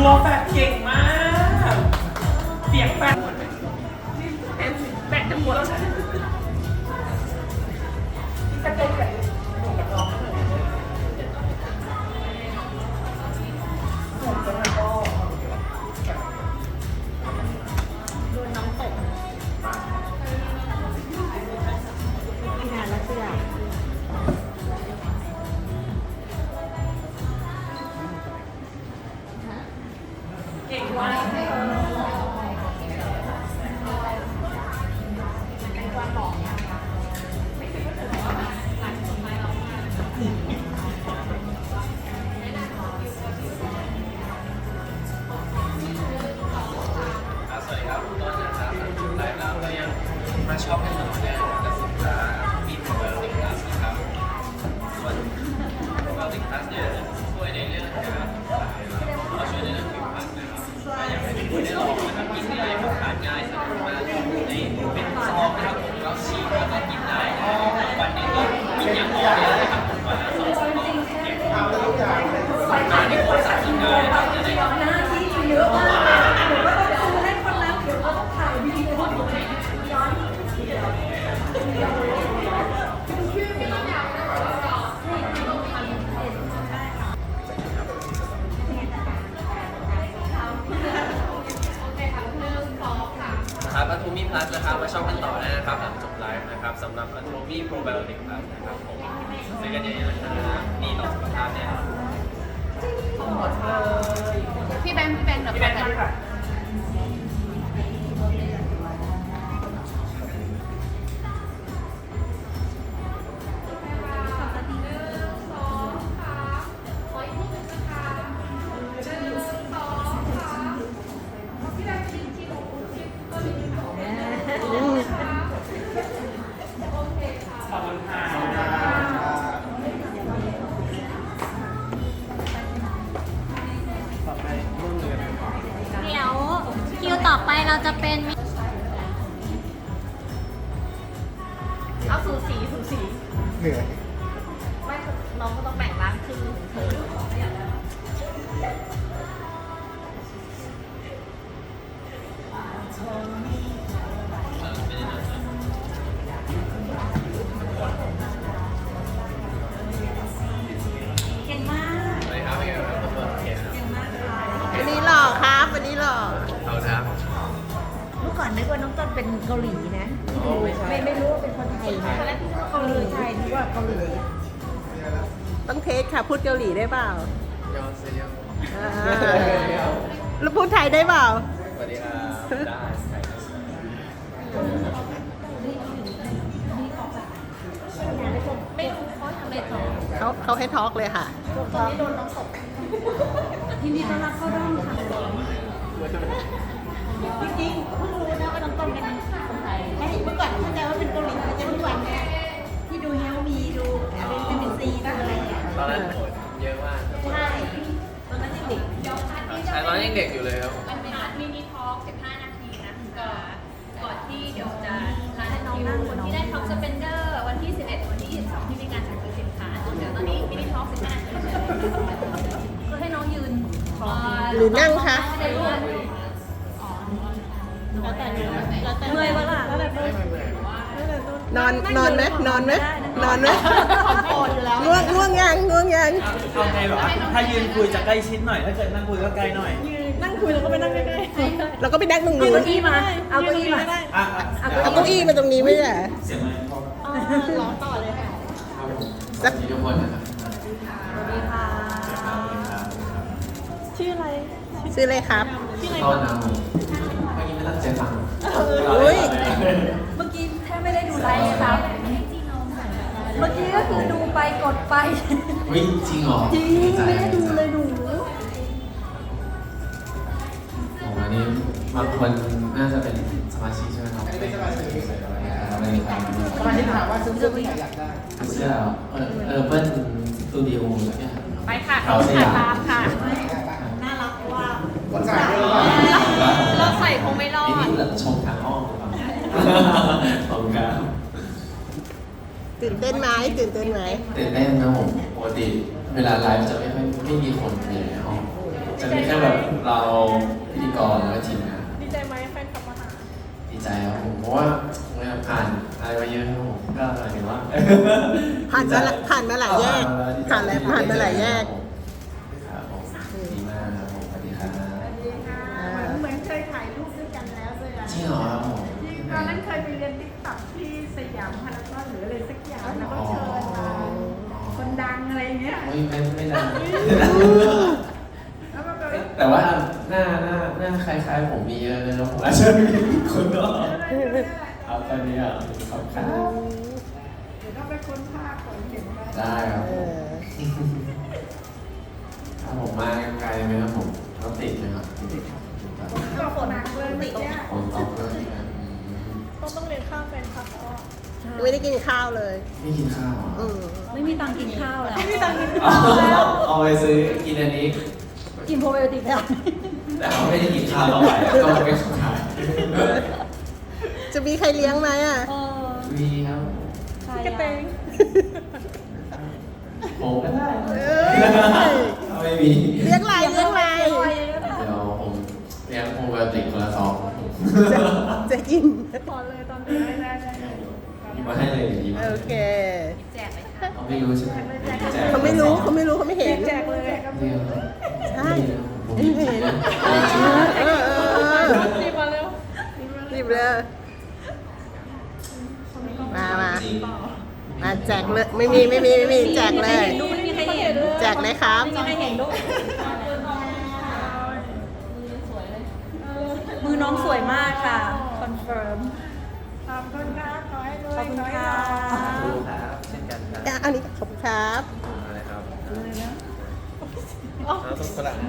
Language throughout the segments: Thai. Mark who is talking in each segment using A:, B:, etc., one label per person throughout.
A: ตัวแฟดเก่งมาก เสียงแฟดแฟดจะหมดแล้วนะจะเป็นแบบหนูกับน้องหนูจะมาก็โดนน้องตกงานแล้วเสื้อเก่งมาก
B: มาช็อปให้หนูเนี่ยกับสินค้ามีโปรไบโอติกพลัสนะครับส่วนโปรไบโอติกพลัสเนี่ยช่วยในเรื่องการเราช่วยในเรื่องผิวพรรณนะครับก็อยากให้ทุกคนได้ลองนะครับกินง่ายพกพาง่ายสะดวกมากในเป็นซองนะครับผมก็ฉีกแล้วก็กินได้วันนี้ก็กินอย่างต่อเนื่องนะครับผมวันละ2-3 ซองเก็บมาในโคตรสารกินได้นะครับจะได้
C: หน้าที่เยอะมากหนูก็ต้องดูให้คนนั้นเดี๋ยวก็ต้องถ่ายวิดีโอย้อน
B: ครับอัลโทมีพลัสนะครับมาชอบกันต่อได้นะครับหลังจบไลฟ์นะครับสำหรับอัลโทมีโปรไบโอติกพลัสนะครับผมซื้อกันเยอะๆนะครับดีต่อสุขภาพเนี่ย
C: พี่แบงค์เดี๋ยว
A: พี่แบงค์ค่ะขอบคุณค่ะต่อไปรุ่นเรือน
D: เดี๋ยวคิวต่อไปเราจะเป็น
C: เอาสูสี
E: เหนื่อย
C: ไม่น้องก็ต้องแบ่งร้านครึ่งของเธอเก่งมาก
B: สวัสดีครับพี่ครับผมโอเคครับ
C: เก่งมากค่ะ
E: วันนี้หล่อครับ วันนี้หล่อ
B: เอาครับ
C: เมื่อก่อนนึกว่าน้องต้นเป็นเกาหลีนะไม่รู้ว่าเป็นคนไทยนะตอนแรกพี่นึกว่าเกาหลีใช่นึกว่าเกาหลี
E: ต้องเทสค่ะ พูดเกาหลีได้เปล่า
B: ยอนเซียว
E: อ่าแล้วพูดไทยได้เปล่า
B: สวัสดีครับได้ใคร
C: ไม่รู้เขาทำอะไรต่อ
E: เขาให้ทอล์กเลยค่ะ
C: ตอนนี้โดนน้องตกยินดีต้อนรับเข้าร่วมค่ะจริงๆเพิ่งรู้นะว่าน้องต้นเป็นคนไทยเมื่อก่อนเข้าใจว่าเป็นเกาหลีแต่จะทุกวันเนี่ยที่ดูเฮลมีดูอะไรเป็นซีบ้างอะไรอย่างเงี้ย
B: ตอนนั้นโหดเยอะมาก
C: ใช่ตอนนั้นยังเด็ก
B: ใช่ตอนนั้นยังเด็กอยู่เลยครับ
D: มันเป็นมินิทอล์ก15 นาทีนะก่อนที่เดี๋ยวจะรันคิวคนที่ได้ท็อปสเปนเดอร์วันที่ 11 วันที่ 22 ที่มีการสั่งซื้อสินค้าเดี๋ยวตอนนี้มินิทอล์ก15 นาทีคือให้น้องยืน
E: หรือนั่งคะ
D: ได้ด้วย
C: แล้วแต่เมื่อยวะล่ะแล้วแต่เมื่อย
E: นอนไหมนอนไหมนอนไหม
C: โอนอยู่แล้ว
E: ง่วงยัง
A: เอาไงแบบว่าถ้ายืนคุยจะใกล้ชิดหน่อย ถ้าเกิดนั่งคุยก็ไกลหน่อย
C: นั่งคุยแล้วก็ไปนั่งใกล้
E: เราก็ไปนั่งตรง
C: ๆเอา
E: นู้น
C: เก้าอี้มา เอาเก้าอี้มา
A: อ่ะ
E: เอาเก้าอี้มาตรงนี้ไม่ใช่เหรอ
A: เสียงอะไรพอ
C: ร้องต่อเลยค่ะ
E: สัก
B: ทุกคนนะครับ
C: สวัสดีค่ะ ชื่ออะไร
E: ซื้อเลยครับ
C: ชื่ออะไร
B: ตอนนั้นเมื่อกี้ไม่ตั้งใจฟัง
E: อุ้ย
C: เมื่อกี้แทบไม่ได้ดูไลฟ์เลยครับ เมื่อกี้ก็คือดูไปกดไป
B: วิ่งจริงเหรอ
C: จริงไม่ได้ดูเลยหนู
B: โอ้อันนี้บางคนน่าจะเป็นสมาชิกใช่ไหมครับไม่เป็นสมาชิกไม่เป็นครับ
E: สมาชิกถามว่าซื้อที่ไหนอยากได้
B: เสื้อเปิ้ลสตูดิโออะไรเนี่ย
D: ไปค่ะ
B: เขาสยาม
D: ตามค่ะ
C: น่ารักว่า
E: คนจ่ายด้วยหรือเปล่า
D: เราใส่คงไม่รอ
B: นี่
D: ด
B: เหลือชมทางอ้อมขอบคุณครับ
E: ตื่นเต้นไหมตื่นเต้นไหม
B: ตื่นเต้นนะผมปกติเวลาไลฟ์จะไม่มีคนอยู่ในห้องจะมีแค่แบบเราพิธีกรแล้วก็ทีมงาน
A: ดีใจไหมแฟนคลับมาหา
B: ดีใจครับผมเพราะว่าผ่านอะไรมาเยอะครับผมก็หมายถึงว่า
E: ผ่านมาหลายแยกผ่านมาหลายแยก
B: ครับผมดีมากครับผมสวัสดีครับ
C: เหมือนเคยถ่ายรูปด้วยกันแล้วด้วย
B: จริงเหรอครับผม
C: ตอนนั้นเคยไปเรียนติ๊กต็อกที่สยามพารากอนหรืออะไรสักอย่างแล้วก็เชิญมาคนดังอะไรเงี้ย
B: ไม่ได้
C: แล้วก็แบบ
B: แต่ว่าหน้าคล้ายๆผมมีเยอะเลยนะผมอาจจะมีคนนอกครับตอนนี้อ่ะขอบคุณ
C: เดี๋ยวต้องไปค้นภาพก่อนเห็นไหม
B: ได้ครับ
E: เอ
B: ผม
E: อ
B: ถ้าผมมาไกลไหมครับผมต้องติดไหมครับ
C: ก็ฝนหนักเลยติดเนี่ย
B: คนตอบเลยนะ
A: ต้องเรียนข้ามแฟนคลับแล้วอะ
E: ไม่ได้กินข้าวเลย
B: ไม่กินข้าวเหรอ
E: อืม
D: ไม่มีตังค์กินข้าวแล้ว
A: ไม่มีตังค์กิน
B: เอาไปซื้อกินอันนี้
D: กินโปรไบโอติกแล้ว
B: แต่เขาไม่ได้กินข้าวต่อไปก็ไม่ขาย
E: จะมีใครเลี้ยงไหมอ่ะ
B: มีครับ
D: ใคร
A: กระเตง
B: ผมก็ได้
E: เอ้ย
B: ถ้าไม่มี
E: เลี้ยงไรเลี้ยงไร
B: เดี๋ยวผมเลี้ยงโปรไบโอติกคนละซอง
E: จะกิน
A: ขอเลยตอนนี้ได้
B: มาให้เลยดีมาก
E: โอเค
D: แจกไหมคะ
B: เขาไม่รู้ใช่ไหมแจก
E: เขาไม่รู้เขาไม่เห็น
A: แจกเลย
B: เดียว
E: ใช่
B: ผม
E: ไม่เห็นเออ
A: รีบมาเร็ว
E: รีบเลยมาแจกเลยไม่มีแจกเลย
D: ไม่มีใครเห็น
E: แจกเลยครับ
D: ไม่มีใครเห็นลูกมือน้องสวยมากค่ะคอนเฟิร์ม
C: ขอบคุณครับขอให้รวย
D: ขอบคุณค่ะ
B: ดูครับเช่นกันครับ
E: อันนี้ขอบคุณครับ
B: อะไรครับน้ำซุปฝรั่ง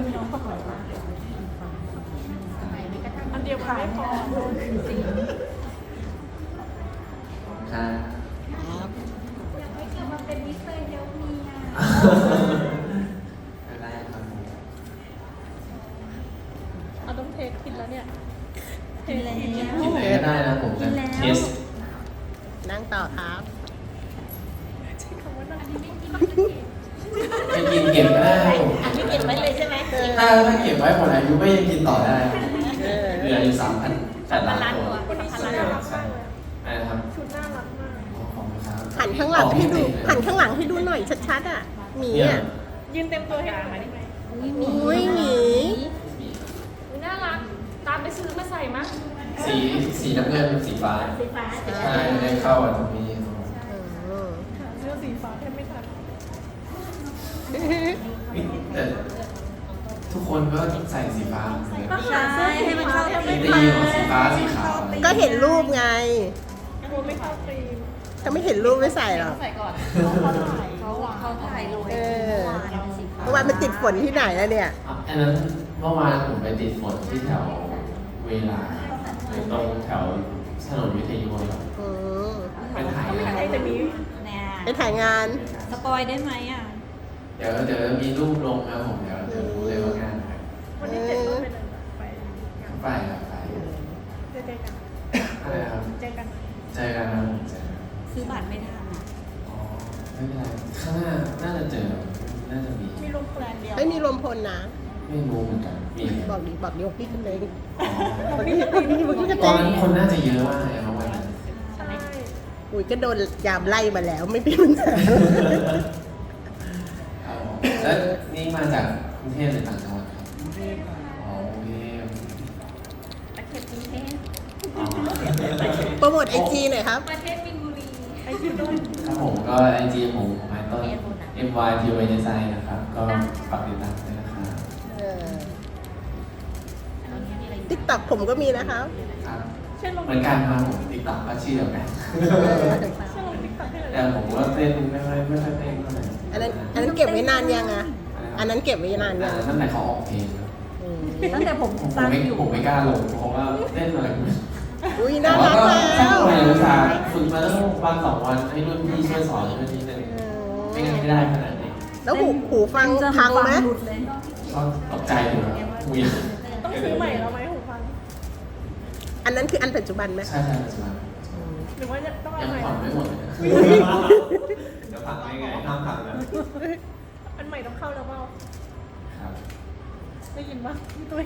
A: อันเดียวมันไม่พอ
B: ครับ
C: อยากให้เกิดมาเป็นมิสเตอร์เฮลมีอ่ะ
B: ไม่ได้ครับผม
A: เอาต้องเทคกินแล้วเนี่ย
D: กินแล้ว
B: กินอะไรก็ได้นะผมจะเทส
E: นั่งต่อครับ
B: ไปกินเก็บก็ได้ครับผม
C: อันนี้เก็บไว้เลยใช่ไหม
B: ถ้าเก็บไว้หมดอายุก็ยังกินต่อได้
E: เออ
B: เหลืออยู่3,800 ล้านตัว
A: วันนี้ชุดน่ารักมากเลย
B: อะไรนะครับ
A: ชุดน่ารักมาก
B: ขอบคุณครับ
E: หันข้างหลังให้ดูหันข้างหลังให้ดูหน่อยชัดๆอ่ะหมี
B: เนี่ย
E: อ่ะ
A: ยืนเต็มตัวให้ดูหน่อยได้ไหม
E: อุ้ยหมี
D: น่ารัก ตามไปซื้อมาใส่มั้ง
B: สีน้ำเงินสีฟ้า
C: สีฟ้าสี
B: ใช่ได้เข้ากับตรงนี้
E: อืม
A: เสื้อสีฟ้าแทบไม่ทัน
B: แต่ทุกคนก็ใส่สีฟ้าเหมือนกัน
D: ใช่ให้มันเข้ากับ
B: ไม่ได้ยินว่าสีฟ้าสีขาว
E: ก็เห็นรูปไง
A: กลัวไม่เข้าธีม
E: ถ้าไม่เห็นรูปไม่ใส่หรอก
D: ใส่ก่อนเขาถ่ายลง
E: เออเมื่อวานมันติดฝนที่ไหนแล้วเนี่ย
B: อันนั้นเมื่อวานผมไปติดฝนที่แถวเวลาตรงแถวถนนวิทยุครับ
E: อืม
B: ไปถ่าย
A: ไอ้แต่นี้
D: เนี่ย
E: ไปถ่ายงาน
D: สปอยได้ไหมอ่ะ
B: เดี๋ยวมีรูปลงนะผมเดี๋ยวรู้เลยว่างานอะไร
A: วันที่7ก็ไปเลยไป
B: ไปครับไป
A: เจอกัน
B: อะไรครับ
A: เจอกัน
B: เจอกันนะผมเจอกัน
D: ซื้อบัตรไม่ทันอ่ะ
B: อ๋อไม่เป็นไรข้างหน้าน่าจะเจอน่าจะมี
A: มีลงแปลนเดียว
E: ไม่มีลมพลนะ
B: ไม่รู้เหมือนกันมี
E: บอกดิบอกพี่กันเลย
B: อ๋อ
E: บอกพี่กัน
B: ตอน
E: เลย
B: นั้นคนน่าจะเยอะมากเลยครับวันนั้น
A: ใช่
E: อุ้ยก็โดนยามไล่มาแล้วไม่เป็นปัญหา
B: ครับผมแล้วนี่มาจากกรุงเทพหรือต่างจังหวัดครับอ๋อโอเค
D: ประเทศกรุงเทพ
B: อ๋อ
E: โปรโมทไอจีหน่อยครับ
D: ประเทศมินบุรี
A: ไอ้ชื่อด้วย
B: ครับผมก็ไอจีผมไมต้น MYTY Design นะครับ ก็ฝากติดตามด้วยนะครับ
E: ติ๊กต็อกผมก็มีนะครับ
B: ครับ
A: เช่นลง
B: เหมือนกันครับผมติ๊กต็อกก็ชื่อเดียวกัน
A: เช่นลงติ๊กต็อกให้หน่อย
B: แต่ผมก็เต้นไม่ค่อยเต้นเท่าไหร่
E: อันนั้นเก็บไว้นานยังอ่ะ อันนั้นเก็บไว้นานยัง
B: ตั้งแต่เขาออกเพลงครับ
E: อืม
D: ตั้งแต่ผม
B: ผม
D: ตั้ง
B: ไม่
D: อยู่
B: ผมไม่กล้าลงเพราะว่าเต้นอะไรไม่รู้
E: อุ้ย
B: แต่
E: น่า
B: ว่า
E: รัก
B: ก็
E: แล้
B: สร้าง
E: ว
B: ความรู้สึกฝึกมาตั้งวัน2 วันให้รุ่นพี่ช่วยสอนช่วยนิดนึงไม่งั้นไม่ได้ขนาดนี้
E: แล้วหูฟังพังไหม
D: หลุดเลย
B: ก็ตกใจอยู่ครับคุย
A: ต้องซื้อใหม่แล้วไหมหูฟัง
E: อันนั้นคืออันปัจจุบันไหม
B: ใช่ปัจจุบัน
A: หรือว่าจะต้องเอา
B: ยัง
A: ใหม่
B: ผ่อนไม่หมดเลยนะจะผ่อนได้ไงห้ามผ่อนนะ
A: อันใหม่ต้องเข้าแล้วเปล่า
B: ครับ
A: ได้ยินปะพี่ตุ้ย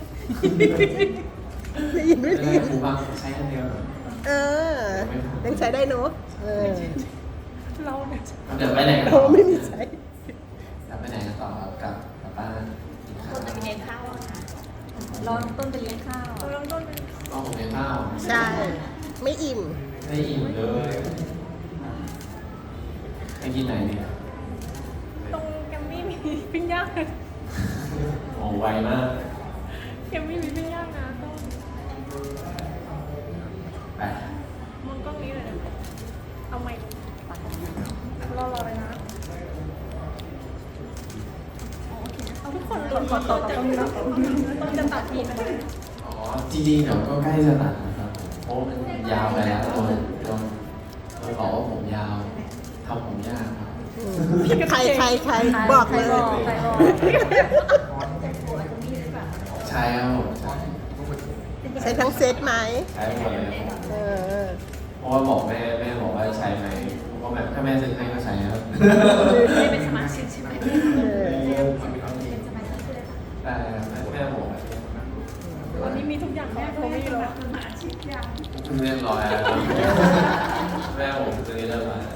E: ได้ยินไม่
B: ไม่
E: ได้
B: ได้
E: ยิน
B: ครูบางใช้คนเดียวเหรอ
E: เออ ยังใช้ได้เนอะเออ
A: เราเนี่ย
B: เดี๋ยวไปไหนกัน
E: เรา
B: ต่อ
E: ไม่มีใช้
B: เดี๋ยวไปไหนกันต่อครับกลับบ้านกินข้าว
D: ต้นจะไปเลี้ยงข้าวอะค่ะรอต้นไปเลี้ยงข้าว
A: เราเริ่มต้นเป็น
B: ก็ผมกินข้าว
E: ใช่ ไม่อิ่ม
B: ไม่อิ่มเลยไปกินไหนเนี่ย
A: ตรงแกมมี่มีปิ้งย่าง
B: โอ้ไวมาก
A: แกมมี่มีปิ้งย่างนะต้อง
B: ไป
A: มองกล้องนี้เลยนะเอาไมค์รอเลยนะเอาทุกคนต้นต้นจะตัดทีนะ
B: อ๋อจริงๆเดี๋ยวก็ใกล้จะตัดนะครับเพราะมันยาวไปแล้วโดนบอกว่าผมยาวทำผมยากครับ
E: ใครบอกเลย
D: ใครบอก
B: ใช่ครับผมใช่
E: ใช้ทั้งเซตไหม
B: ใช้หมดเลยครับ
E: เออ
B: เพราะว่าบอกแม่บอกว่าใช้ไหมเพราะแบบถ้าแม่ซื้อให้ก็ใช้ครับ
D: ไม่เป็นสมาชิกใช่ไหม
E: เออ
B: ได้ครับแม่บอกแบบนี้
A: วันนี้มีทุกอย่างแม่โทรไม่รู้หาชิปอย่าง
B: เรียบร้อยแล้วแม่ผมซื้อเรียบร้อยแล้ว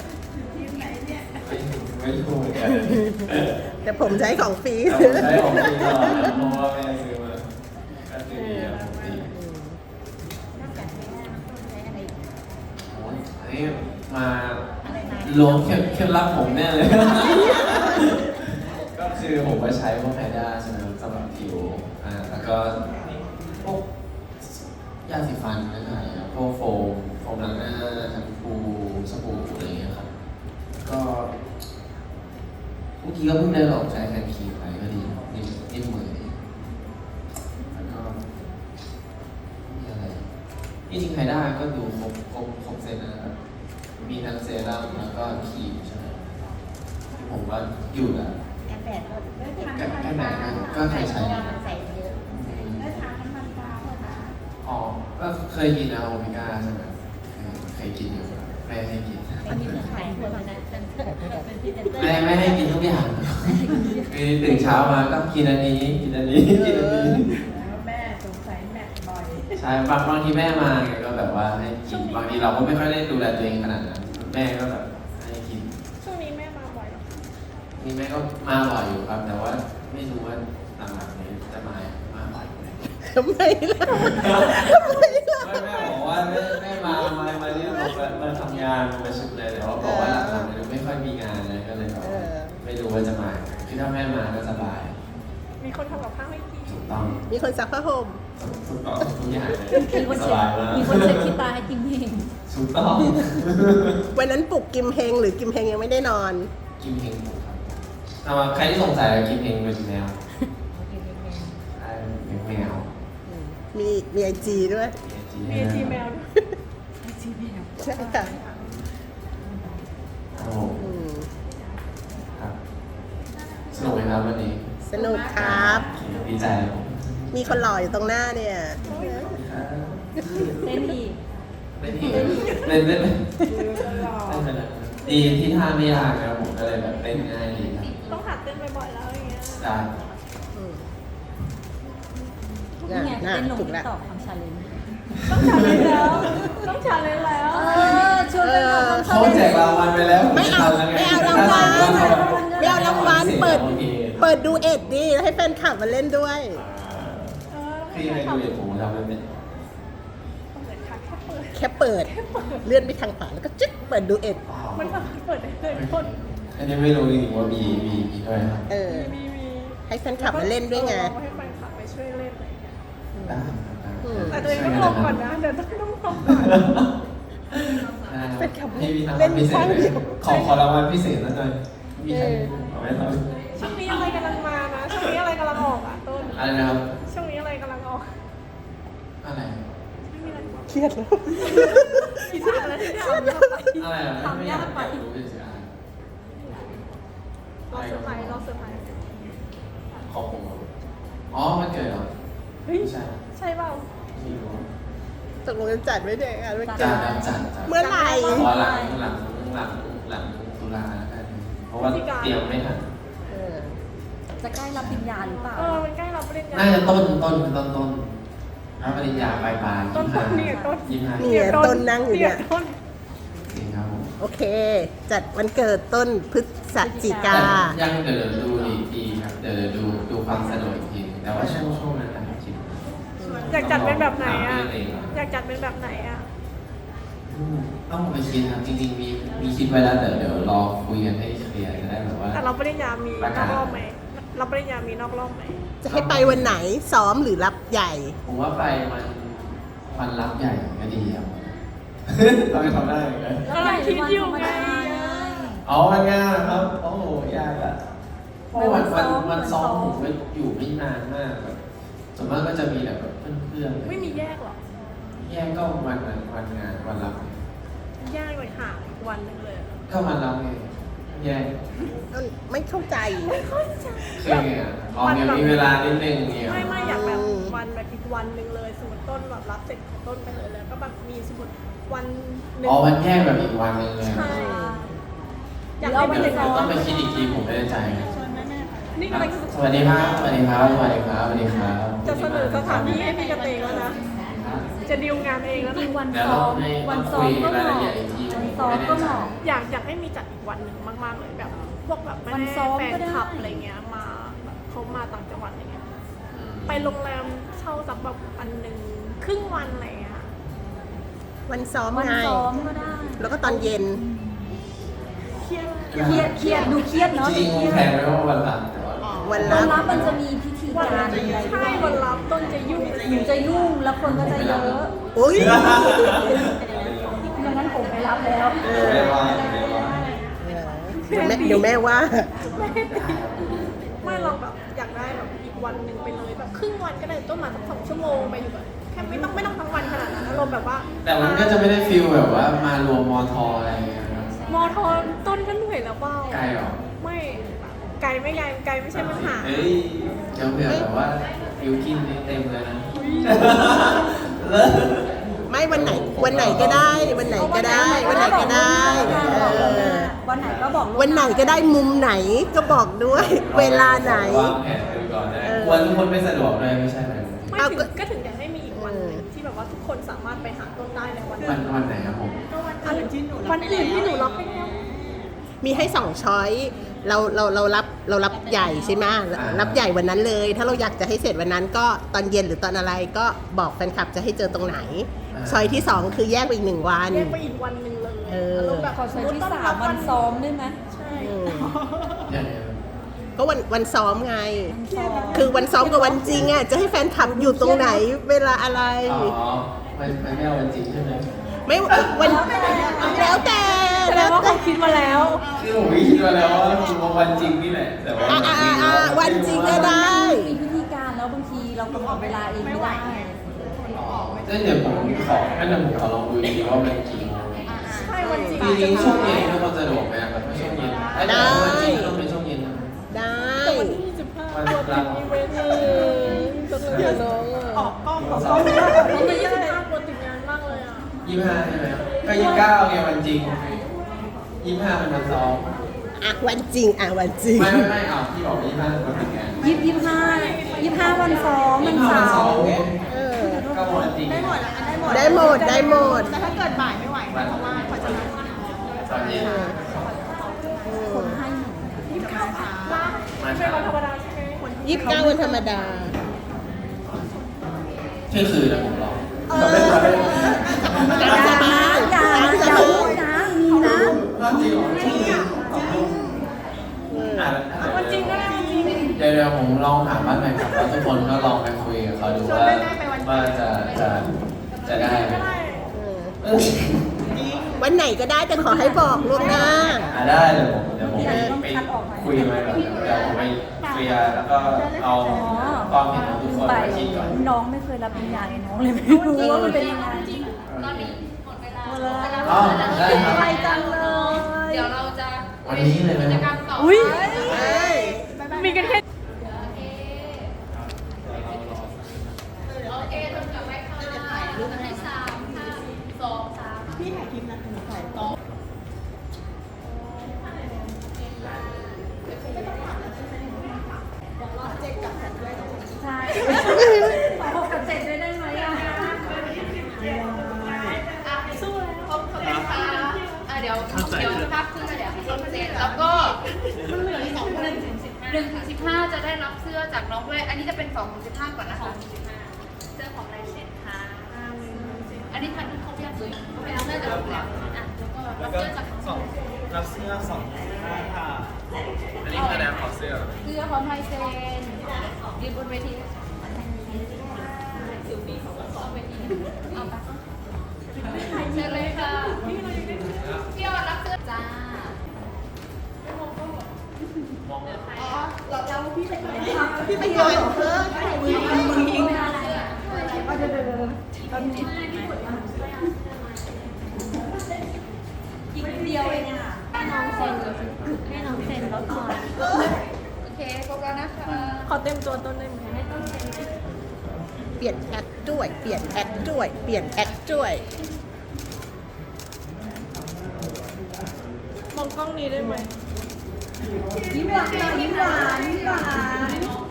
B: ไม่รู้เหมือนกัน
E: แต่ผมใช้ของฟรี
B: แต่ผมใช้ของจริงตลอดนะเพราะว่าแม่ซื้อมาก็ซื้อดีครับผมดี
C: นอกจากนี้ต้นใช้อะไรอีก
B: โอ้ยอันนี้มาล้วงเคล็ดลับผมแน่เลย ก็คือผมก็ใช้พวกไฮด้าใช่ไหมครับสำหรับผิวแล้วก็พวกยาสีฟันนะครับพวกโฟมล้างหน้าแชมพูสบู่อะไรอย่างเงี้ยครับก็เมื่อกี้ก็เพิ่งได้ลองใช้แคนคีไปก็ดีนิ่มมือดีแล้วก็มีอะไรจริงๆไฮด้าก็ดูครบเซตนะครับมีทั้งเซรั่มแล้วก็ครีมใช่ไหมผมว่าอยู่แล้ว
C: แอปแปดก็
B: แค่ไหนก็เคยใช้
C: ใส่เยอะ
B: อ๋อ ก็เคยกินนะโอเมก้าใช่ไหมเคยกินอยู่แม่ให้กิน
C: ไม่มีขายคนนะเป็นพิเศษ
B: แม่ให้กินทุกอย่างคือตื่นเช้ามาก็กินอันนี้กินอันนี้กินอันนี้
A: แม่สงสัยแม่บ่อย
B: ใช่บางทีแม่มาไงก็แบบว่าให้กินบางทีเราก็ไม่ค่อยได้ดูแลตัวเองขนาดนั้นแม่ก็แบบให้กิน
A: ช่วงนี้แม่มาบ่อยหรอ
B: นี่แม่ก็มาบ่อยอยู่ครับ แต่ว่าไม่รู้ว่าหลังๆนี้จะมาบ่อยไหม
E: ทำไมล่ะทำไมล่ะ
B: แม่บอกว่าแม่มาเรียกมาทำงานมาประชุมเลยแต่ว่าบอกว่าหลังๆนี้ไม่ค่อยมีงานเลยก็เลยแบบไม่รู้ว่าจะมาคือถ้าแม่มาก็สบาย
A: มีคนทำกับข้าวให้กิน
B: ถูกต้อง
E: มีคนซักผ้าห่ม
B: ถูกต้องทุกอย่างเลย
D: มีคน
B: ส
D: เช็
B: บา
D: ด
B: ยมาก
D: มีคนเช็ดขี้ตาให้กิมเอง
B: ถูกต้อง
E: วันนั้นปลุกกิมเฮงหรือกิมเฮงยังไม่ได้นอน
B: กิมเฮงถูกครับเอามาใครที่สงสัยกิมเฮงเป็นแมวใช่เป็นแมว
E: มีไอจีด้วย
A: มีไอจีแมวด้วย
E: ใช่ค่ะ
B: โอ้โห
E: อืม
B: ครับสนุกไหมครับวันนี้
E: สนุกครับ
B: ดีใจครับผม
E: มีคนหล่ออยู่ตรงหน้าเนี่ย
D: เต้นอีก
B: เล่นอีกเล่นไปเลยดีที่ท่าไม่ยากนะครับผมก็เลยแบบเล่นง่ายดีครับ
A: ต้องหัดเต้นบ่อยๆแล้วอย่างเงี้ย
B: ได้
E: อืม
D: นี่ไง
E: น่ะ
D: เต้นลง
E: ถูก
D: ติ๊
E: แล้ว
D: กต็อกทำชาเลนจ์
A: ต้องชาเลนจ์แล้ว ต้องชาเลนจ์แล้ว
D: ชวนไปหน่อยทำชา
B: เขา
D: เลนจ์
B: แจกรางวัลไปแล้ว
E: ไม่เอาไม่เอารางวัลไม่เอารางวัลเปิดดูเอ็ดดิให้แฟนคลับมาเล่นด้วย
B: พี่ไปดูอย่างผมทำไม่เป็น
A: เหมือนค่ะแค่เปิด
E: แค่เปิด เลื่อนไปทางขวาแล้วก็จึ๊กเปิดดูเอ็ด
A: มันสามารถเปิดได้เลยคน
B: อันนี้ไม่รู้จริงๆว่ามีด้วยครับ
E: เออ
A: มี
E: ให้แฟนคลับมาเล่นด้วยไง
A: ให้แฟนคลับไปช่วยเล่นอะไรอย่างเงี้ย
B: ได้ครับ
E: อืม
A: แต่ตัวเองต้องลงก่อนนะ เดี๋ยวต้องลงก่อน
B: เป็นคำพี่มีรางวัลพิเศษเลยขอรางวัลพิเศษหน่อยมีใครเอาไหมครับ
A: ช่วงนี้อะไรกำลังมานะ ช่วงนี้อะไรกำลังออกอ่ะต้น
B: อะไรนะครับ
A: ช่วงนี้อะไรกำลังออก
B: อะไร
A: ไม่มีอะไร
E: เครียดแล้ว
A: คิดถึงอะไรที่ถามยากไป
B: อะไรอ่ะไม่อยากรู้เฉย
A: รอเซอร์ไพรส์รอเซอร์ไพรส์
B: ๆของผมอ๋อมันเกิดเหรอ
A: เฮ้ย
B: ไม่ใช่
A: ใช่เปล่า
B: ไม่รู้
E: ตกลงจะจัดไว้เด็กอ่ะไม่
B: จั
E: จั
B: ด
E: ด
B: จัด
E: เมื่อไหร่
B: พอหลังตุลาแล้วกันเพราะว่าเตรียมไม่ทัน
E: เออ
F: จะใกล้รับปริญญาหรือเปล่า
A: มันใกล้รับปริญญา
B: น่าจะต้นรับปริญญาปลาย
A: ต้นนี่ต้น
B: 25
E: เนี่ยต้นนั่งอยู่เนี่ย
A: ต้น
B: จริงครับผม
E: โอเค จัดวันเกิดต้นพฤศจิกา
B: แต่ยังเดี๋ยวดูอีกทีครับเดี๋ยวดูความสะดวกอีกทีแต่ว่าช่วงนั้นนะครับคิด
A: อยากจัดเป็นแบบไหนอ่ะ
B: ถามเพื่นเง
A: อยากจัดเป็นแบบไหนอ่ะ
B: ต้องไปคิดครับจริงๆมีคิดไว้แล้วแต่เดี๋ยวรอคุยกันให้เคลียร์จะได้แบบว่า
A: แต่รับปริญญามีนอกรอบไหมรับปริญญามีนอกรอบไหม
E: จะให้ไปวันไหนซ้อมหรือรับใหญ่
B: ผมว่าไปวันรับใหญ่ก็ดีครับ เราไปทำได้ไหม
A: กำลังคิดอยู่ไง
B: อ๋อวันงานครับโอ้โหยากอะเพราะวันซ้อมผมก็อยู่ไม่นานมากแบบส่วนมากก็จะมีแบบเพื่อนๆ
A: ไม่มีแยกหรอ
B: แยกก็วันนั้นวันงานวันรับ
A: แยกไปห่างอีกวันหนึงเลย
B: ก็วันรับไงแยก
E: ไม่เข้าใจ
B: คือไงอ่ะอ๋อเดี๋ยวมีเวลานิดนึงเนี่ย
A: ไม่อยากแบบวันแบบอีกวันหนึ่งเลยสมมติต้นแบบรับเสร็จของต้นไปเลยแล้วก็แบบมีสมมติวันหนึ่ง
B: อ๋อวันแยกแบบอีกวันนึงเลย
A: ใช่อยาก
B: เดี๋
A: ให้
B: ยว
A: เป็นอย่างนั้น
B: ต้องไปคิดอีกทีผมไม่แน่ใจ
A: นี่กำลัง
B: สวัสดีครับสวัสดีครับสวัสดีครับสวัสดีครับ
A: จะเสนอสถานที่ให้พี่กระเตงแล้วนะ จะดีลงานเองแล้ว
F: จริ
A: นะ
F: งวัน
B: เดี๋ยว
F: ซ้อ
B: เรา
F: ม
B: ให้
F: วัน
B: คุ
F: ซ้อม
B: ย
F: ก็เห
B: รายละ
F: มาะ
B: เอียดอีกที
F: วันซ้อมก็เหมาะ
A: อยากให้มีจัดอีกวันหนึ่งมากๆเลยแบบ พวกแบบแม่
F: วันซ้อม
A: แฟน
F: ก็ได้
A: คลับอะไรเงี้ยมาแบบเขามาต่างจังหวัดอะไรเงี้ยไปโรงแรมเช่าสักแบบอันหนึ่งครึ่งวันอะไรเงี้ย
E: วันซ้อม
F: วัน
E: ไง
F: ซ้อมก็ได้
E: แล้วก็ตอนเย็น
A: เครียด
F: เครียดดูเครียดเนาะ
B: จริงๆแพลนไว้ว่าวันหลังแต่ว่า
E: วัน
F: วั
E: รั
F: น
E: บ
F: รับมันจะมีพิธีการอะไรด้
A: ใช่
F: วย
A: วันรับต้นจะยุ่ง
F: หนูจะยุ่งแล้วคนก็จะเยอะ
E: โอ้ย
F: ดังนั้นผมไปรับแล้ว
B: ไม่ว่าไม่ว่า
E: เดี๋ยวแม่ว่า
A: ไม่เราแบบอยากได้แบบอีกวันหนึ่งไปเลยแบบครึ่งวันก็ได้ต้นมาสัก2 ชั่วโมงไปอยู่แบบแค่ไม่ต้องทั้งวันขนาดนั้นอารมณ์แบบว่า
B: แต่มันก็จะไม่ได้ฟีลแบบว่ามารวมมอทออะไรอย่างเงี้ยครับ
A: มอทอต้นก็เหนื่อยแล้วเปล่า
B: ไกลหรอ
A: ไม่ไกลไม่ไม่ใช่ปัญหา
B: เฮ้ยเดี๋ยวเผื่อแบบว่าฟิวกินเต็มเลยนะ
E: ไม่วันไหนก็ได้ วันไหนก็ได้ วันไหนก็ได้
F: วันไหนก็บอก
E: วันไหนก็ได้มุมไหนก็บอกด้วย เวลาไหน
B: วางแผนกันก่อนได้กลัวทุกคนไม่สะดวกเลยไม่ใช่ไหม
A: ไม่
E: เอา
A: ถึงก็ถึงอยากให้มีอีกวันหนึ่งที่แบบว่าทุกคนสามารถไปหาต้นได้ในวัน
B: วันไหนครับผม
A: ก็วันอื่นที่หนูวันอื่นที่หนูรับไปแล้ว
E: มีให้2ช้อยเรารับใหญ่ใช่ไหมรับใหญ่วันนั้นเลย ถ้าเราอยากจะให้เสร็จวันนั้นก็ตอนเย็นหรือตอนอะไรก็บอกแฟนคลับจะให้เจอตรงไหน ช้อยที่ 2 คือแยกไปอีก1 วัน
A: แยกไปอีกวันหนึ่งเลย
E: เออ
A: อารมณ์แบบ
F: ขอใช้ที่3วันซ้อมได้ไหม
A: ใช่
E: อืม
B: อย่างเงี้ย
E: ก็วันซ้อมไง คือวันซ้อมกับวันจริงอ่ะจะให้แฟนคลับอยู่ตรงไหน เวลาอะไร
B: อ๋อมันไม่เอาวันจริงใช่ไหม
E: ไม่วันแล้วแต่
A: แสดงว่าเขาคิดมาแล้ว
B: คือผมไม่คิดมาแล้วว่าวันจริงนี่แหละแต่ว่า
E: วันจริงก็ได้
F: มีพิธีการแล้วบางทีเรากำหนดเวลาเองไม่ได้
B: เดี๋ยวผมขอลองดูดีว่ามันจริง
A: ใช่วันจริง
B: จริงๆช่วงเย็นทุกคนสะดวกไหมครับไม่ช่วงเย็นวันจริงต้องเป็นช่วงเย็นนะ
E: ได้
A: แต่วันที่25ตัวเป็นอีเวนต์จะเลย
E: น้องอ่ะ
A: ออกกล้องวันที่25ตัวติดงานมากเลยอ่ะ
B: 25ใช่ไหมก็29ไงวันจริง25มันวันซ้อม
E: อ่ะวันจริงวันจริง
B: ไม่เอาพี่บอก25วันถึงไง
F: 25วันซ้อมมัน
B: 25วัน
F: เสา
B: ซ้อม
F: ร์
B: ไง
E: เออ
B: ก็วันจริง
E: ได้หมดได้หมด
A: แต่ถ้าเกิดบ่ายไม่ไหว
B: วัน
A: เพราะว่าเขาจะมา
B: ตอนเย็น
F: คนให้หนู
A: ไม่ใช่วันธรรมดาใช่ไหมคน
E: 29วันธรรมดา
B: เที่ยงคืนนะผมรอ
E: ตามสบาย
F: อย่า
E: ตามส
F: อย่า
E: บา
F: พูด
E: ย
F: นะมีนะ
B: จริงเหรอช่วงเย็น
A: วันจริงก็ได้วันจริง
B: เดี๋ยวผมลองถามบ้านแฟนคลับแล้วทุกคนก็ลองไปคุยกับเขาดูว่าจะได้ไหม
A: ก็ได้
E: วันไหนก็ได้แต่ขอให้บอกล่วงหน้า
B: ได้เดี๋ยวผมไปคุยมาก่อนเดี๋ยวผมไปเคลียร์แล้วก็เอาความเห็นของทุกคน
F: ไป
B: มาคิดก่อน
F: น้องไม่เคยรับปริญญาเลยน้องเลยไม่รู้ว่ามันเป็นยังไง
D: ตอนนี้หมดเวลา
B: อ๋อได้ครับ
F: ไปจังเลย
D: เดี๋ยวเราจะ
B: วันนี้เลยไหม
D: กิจกรรมต่อ
A: อุ้ย
D: ไป
A: มีกันแค่
D: โอเคจนกลับไปค่ะให้3 5 2 3พี่ถ่ายคลิปนะถ่ายต่อยวสภาพเสื้อเดี๋ยวให้เซ็นแล้วก็1 ถึง 15จะได้รับเสื้อจากน้องด้วยอันนี้จะเป็น2 ถึง 15ก่อนนะคะเสื้อของลายเซ็นค่ะอันนี้ทันที่เขาเรียกเลยเป็นเสื้อจากโรงแรมอ่ะแล้วก็รับเสื้อจากน้อง
G: รับเสื้อ2 ค่ะ
B: อันนี้คือแนวขอเสื้อ
D: เสื้อของไทยเซ็นยืนบนเวทีเอาไปเชิญเลยค่ะพี่ออดรับเสื้อจ้า
E: พี่ไปโยนเพิ่ม
C: อีกเดียวเองอ่ะให้น้องเซ็นแล้วก่อน
D: โอเคโฟกัสนะคะ
A: ขอเต็มตัวต้นได้ไหม
E: เปลี่ยนแอคด้วย เปลี่ยนแอคด้วย เปลี่ยนแอคด้วย
A: มองกล้องนี้ได้ไหม
C: ยิ้มหวานยิ้มหวานยิ้มหวาน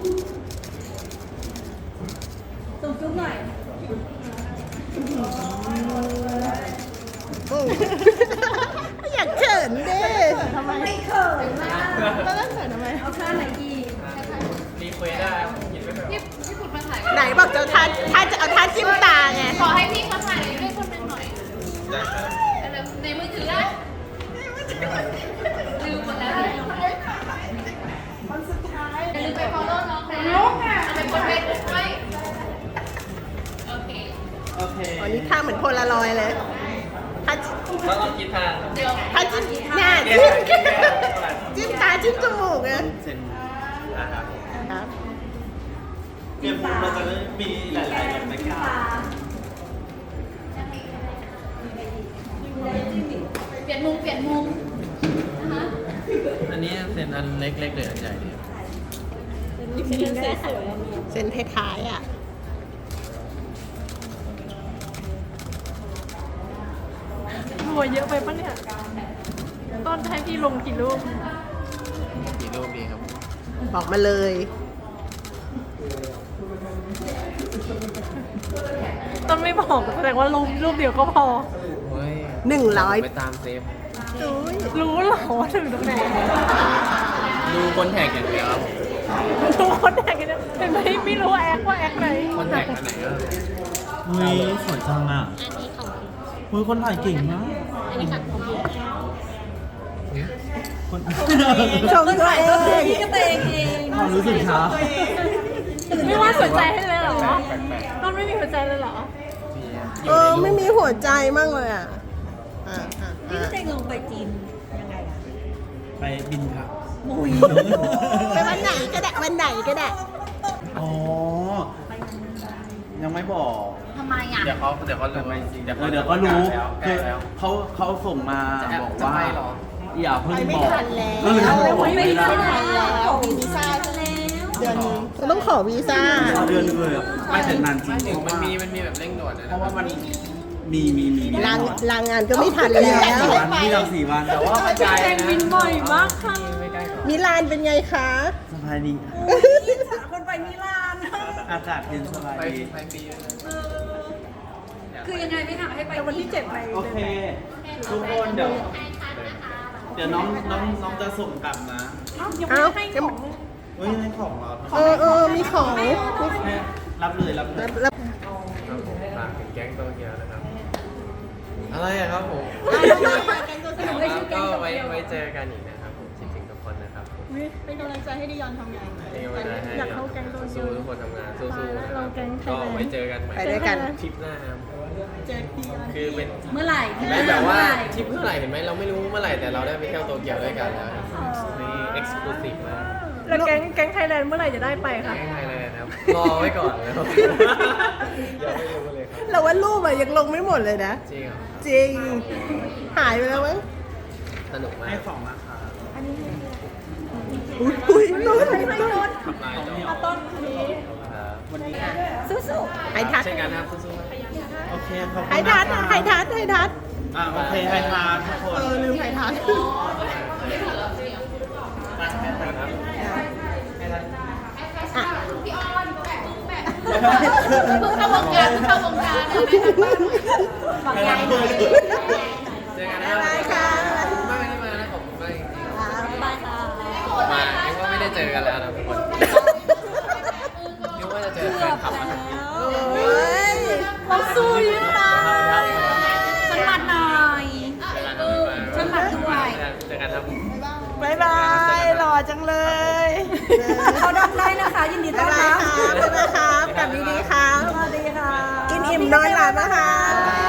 C: ส่งจุ๊บหน่อย
E: อยากเขินเด้
C: ทำไมไม่เขินนะ
E: แล้วเขินทำไม
C: เอาท่าไหนอีก
B: รีเควสได้ยินไม่เป็น
D: พี่ขุดมาถ่าย
E: ไหนบอกจะท่าจะเอาท่าจิ้มตาไง
D: ขอให้พี่เขาถ่ายด้วยคนหนึ่งหน่อย
B: ได้ครับ
D: ในมือถือได้ลืมหมดแล้วคนสุดท้ายอย่าลืมไป follow น้องนะไปกดเฟซบุ๊กไว้โอเค
G: โอเค
E: อ๋อนี่ท่าเหมือนโพลารอยด์เลยท่า
B: แล้วเราคิดทาง
D: เดี๋ยว
E: ท่าจิ้มหน้าจิ้มตาจิ้มจมูกไง
G: เซ็น
B: นะครับ
E: ครับ
G: เกมบูเราจะได้มีหลายๆแบบในการ
D: เปลี่ยนมุมนะคะ
B: อันนี้เซ็นอันเล็กๆเลยอันใหญ่ดี
E: เส้นท้ายๆอ่ะ
A: หัวเยอะไปปะเนี่ยต้นให้พี่ลงกี่รูป
B: กี่รูปดีครับ
E: บอกมาเลย
A: ต้นไม่บอกแสดงว่ารูปเดียวก็พอ
B: เฮ้ย
E: 100
B: ไปตามเซฟ
A: รู้เหรอว่าถึงตรงไหน
B: ดูคนแท็กอย่างเดียวครับผม
A: รู้คนแทกกันเนี่ยเห็นไหมไม่รู้แอคว่าแอคไหน
B: คนแท็กอันไหนก็
G: เฮ้ยสวยจังอ่ะเฮ้ยคนถ่ายเก่งมากคน
E: ชมตัวเอง
C: พี่ก็เตงเอง
G: ความรู้สึกช้า
A: ไม่ว่าสนใจให้เลยเหรอต้นไม่มีหัวใจเลยเหรอ
E: ไม่มีหัวใจมั่งเลยอ่ะอ่ะ
C: พี่ก็เตงลงไปจีนยังไงอ่ะ
G: ไปบินค่ะ
C: มุย
E: ไปวันไหนก็ได้ วันไหนก็ได้
G: อ๋อ ยังไม่บอก
C: ทำไมอ่ะ
B: เดี๋ยวเขารู้เดี๋ยวเขา
G: เดี๋ยวก็รู้
B: ใกล้
G: คือ
B: แล้ว
G: เขาส่งมา
B: จะ
G: บอก
B: จะ
G: ว่า
B: ไปเหรอ
G: อย่าเพิ่ง
E: ไปไม่
G: บอก
E: ทันแล้ว
G: เออไม่ทัน
E: แล้วมีวีซ่าเดือนนี้ต้องขอวีซ่า
G: เดือนเลยอะไม่ถึงนานจริง
B: ถึงมันมีแบบเร่งด่วนนะ
G: เพราะว่ามันมี
E: ลางานก็ไม่ทันแล้ว
G: ที่เรา4 วัน
B: แต่ว่ามันไกล
A: แทง
B: นะ
A: บินบ่อยมากค่ะ
B: ไม่ใกล้หรอก
E: มิลานเป็นไงคะ
G: สบายดี
C: คนไปมิลาน
G: อากาศเย็นสบาย
B: ไป
G: ดี
B: ไปปีเลยนะ
C: คือยังไงไม่หาให้ไป
A: แต่วันที่7ไป
G: โอเค ทุกคนเดี๋ยวน้องจะส่งกลับนะ
A: ยังไม่ให้ของ
G: เฮ้ยให้ของเรา
E: มีของ
G: รับเลย
E: รับ
B: ครับผมฝากถึงแก๊งโตเกียวนะครับ อะไรอะครับผมแล้วก็ไว้เจอกันอีกนะครับผมคิดถึงทุกคนนะครับผม
A: เป็นกำลังใจให้ดิยอนทำงาน
B: เป็นกำลังใจให้
A: อยากเข้าแก๊งโตเกียว
B: สู้ทุกคนทำงานสู้ๆนะครับ
A: เราแก๊งไทย
B: ก็
A: แลนด์
B: ไว้เจอกันใหม่
E: ไปด้วยกัน
B: ทริปหน้าครับ
A: เจอดิยอน
B: คือเป็น
C: เมื่อไหร่
B: เห็นไหมแบบว่าทริปเมื่อไหร่เห็นไหมเราไม่รู้เมื่อไหร่แต่เราได้ไปเที่ยวโตเกียวด้วยกันแล้วนี่เอ็กซ์คลูซีฟมาก
A: แล้วแก๊งไทยแลนด์เมื่อไหร่จะได้ไปคะ
B: แก๊งไทยเลยนะครับรอไว้ก่อนนะครับยังไม่รู้เลยครับ
E: เราว่ารูปอะยังลงไม่หมดเลยนะ
B: จริงเหรอ
E: จริง หายไปแล้วมั้ง
B: สนุกมาก
G: ให้ของราคา
E: อุ้ยนุ่น
B: ทำลายจอ
A: ต้นนี้
B: ครับ
G: วันนี้
E: สู้ๆไฮทัช
B: เช่นกันครับสู้ๆครับ
G: โอเคขอบคุณ
E: ไฮทัชไฮทัชไฮทัช
G: โอเคไฮทัชทุกคน
E: ลืมไฮทัช
D: พี่ออนแบกแบกเพิ่งเข้าวงการนะ
G: ไฮทัช
B: เจอกันนะ
E: บ๊ายบายค่ะ
B: แฟนคลับมา
F: เราสู้ยืนตาฉันมัดหน่อยฉันมัดด้วย
B: เจอกันครับ
E: บ๊ายบายหล่อจังเลย
F: เขาดังได้นะคะ ยินดีต้
E: บ๊า
F: อย น
E: บาย
F: รับ
E: ครับบ๊ายบายครับกลับดีๆครับ
F: สวัสดีค่ะ
E: กินอิ่มนอนหลับนะคะ